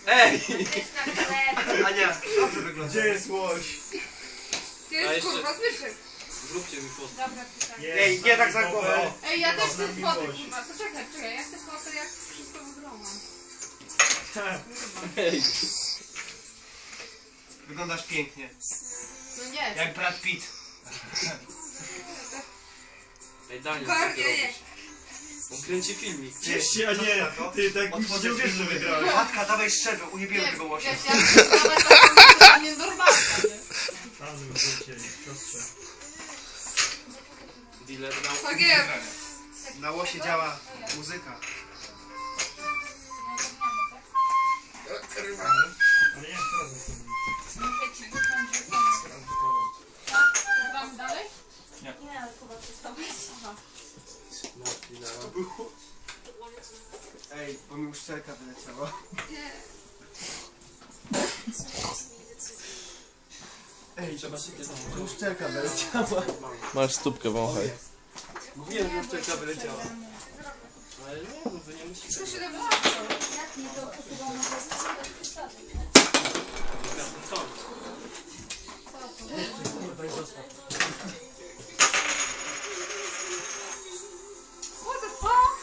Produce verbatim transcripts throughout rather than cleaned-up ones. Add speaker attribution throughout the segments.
Speaker 1: Ej!
Speaker 2: Jest na chleb.
Speaker 1: Ania, dobrze wygląda.
Speaker 3: Gdzie jest łoś?
Speaker 4: Ty jest
Speaker 5: jeszcze-
Speaker 4: kurwa zwyżek.
Speaker 5: Zróbcie mi fotkę.
Speaker 2: Dobra, pytanie.
Speaker 1: Ej, nie tak za głowę.
Speaker 4: Ej, ja też
Speaker 3: Z
Speaker 4: chcę
Speaker 3: nami
Speaker 4: foty
Speaker 3: miłość.
Speaker 4: kurwa. To czekaj, czekaj, ja chcę foty jak wszystko wygląda.
Speaker 5: Ej,
Speaker 1: Wyglądasz pięknie.
Speaker 4: No nie.
Speaker 1: Jak Brad Pitt.
Speaker 5: ej Daniel, co
Speaker 4: Kornie,
Speaker 5: ty
Speaker 4: nie.
Speaker 5: robisz? On kręci filmik.
Speaker 3: Cieście, a nie, ty tak mi się nie uwierzysz, że wygrałeś.
Speaker 1: Matka, dawaj szczerze, ujebiemy
Speaker 4: Nie,
Speaker 1: tego łosia.
Speaker 4: wiesz, ja chcę nawet taką nienormalną, nie?
Speaker 3: Razem życie, siostrze.
Speaker 5: Dealer dał.
Speaker 4: Tak jest.
Speaker 1: Na łosie działa muzyka.
Speaker 3: Ale jak to razem zrobić?
Speaker 2: Muszę ci wyciąć, że
Speaker 4: Gramy dalej?
Speaker 2: nie, ale chyba przestałeś.
Speaker 4: Aha.
Speaker 5: No, dealera.
Speaker 1: Ej, bo mi uszczelka wyleciała.
Speaker 4: Nie.
Speaker 1: Ej,
Speaker 5: Trzeba się kiedyś.
Speaker 1: uszczelka wyleciała.
Speaker 6: Masz stópkę, wąchaj.
Speaker 1: Mówiłem, że uszczelka wyleciała.
Speaker 5: Ale nie, no wy nie musicie.
Speaker 4: Co się tam
Speaker 2: Jak nie, to chyba może zostawić.
Speaker 5: Co?
Speaker 1: Kurwa, i zostaw.
Speaker 4: What the fuck?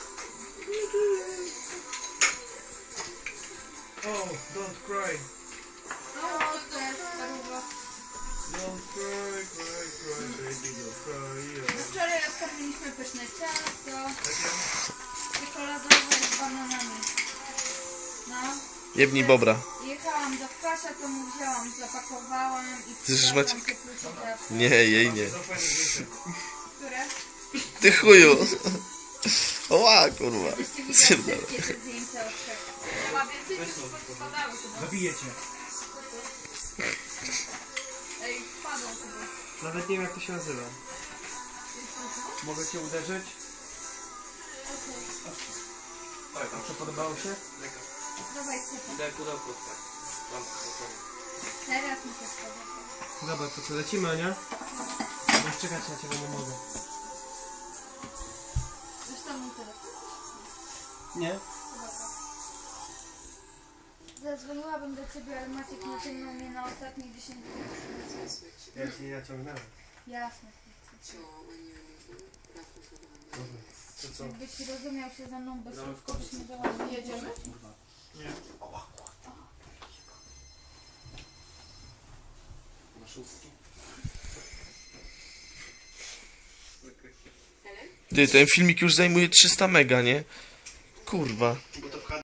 Speaker 3: Oh, don't cry.
Speaker 4: No, to jest paruwa.
Speaker 3: Don't cry, cry, cry, baby, don't cry. Yeah.
Speaker 2: Wczoraj odkarmiliśmy pyszne ciasto.
Speaker 3: Takie?
Speaker 2: Czekoladowe z bananami. No.
Speaker 6: Jebnij bobra.
Speaker 2: Jechałam do Kwasia, to mu wzięłam, zapakowałam i
Speaker 6: Chcesz
Speaker 2: przyniosłam
Speaker 6: Maciek?
Speaker 2: te plucie ciasto.
Speaker 6: Nie, jej nie.
Speaker 3: Za fajny zdjęcie.
Speaker 2: Które?
Speaker 6: Ty chuju. Oła, kurwa.
Speaker 2: Żebyście widzieli
Speaker 6: Pierdolę.
Speaker 2: wszystkie te zdjęcia od trzech.
Speaker 4: Chyba więcej niż spadały chyba.
Speaker 1: Zabiję cię.
Speaker 4: Ej, wpadł chyba.
Speaker 1: Nawet nie wiem, jak to się nazywa. Mogę cię uderzyć? A co, podobało się?
Speaker 2: Dawaj, super.
Speaker 5: Daj pudełko, tak. Mam spokojnie.
Speaker 2: Teraz mi się spodoba.
Speaker 1: Dobra, to co, lecimy, Ania? Już czekać na ciebie nie mogę.
Speaker 2: Zresztą mój telefon.
Speaker 1: Nie?
Speaker 2: Zadzwoniłabym do ciebie, ale Maciek naciągnął mnie na ostatnie dziesięć minut.
Speaker 1: Ja cię nie naciągnąłem.
Speaker 2: Jasne.
Speaker 1: Dobra, to co?
Speaker 2: Jakbyś rozumiał się ze mną bez
Speaker 5: No,
Speaker 2: słów, to byśmy dała.
Speaker 4: Jedziemy?
Speaker 3: Nie.
Speaker 5: Na szóstki.
Speaker 6: Ty, ten filmik już zajmuje trzysta mega, nie? Kurwa.
Speaker 5: Bo to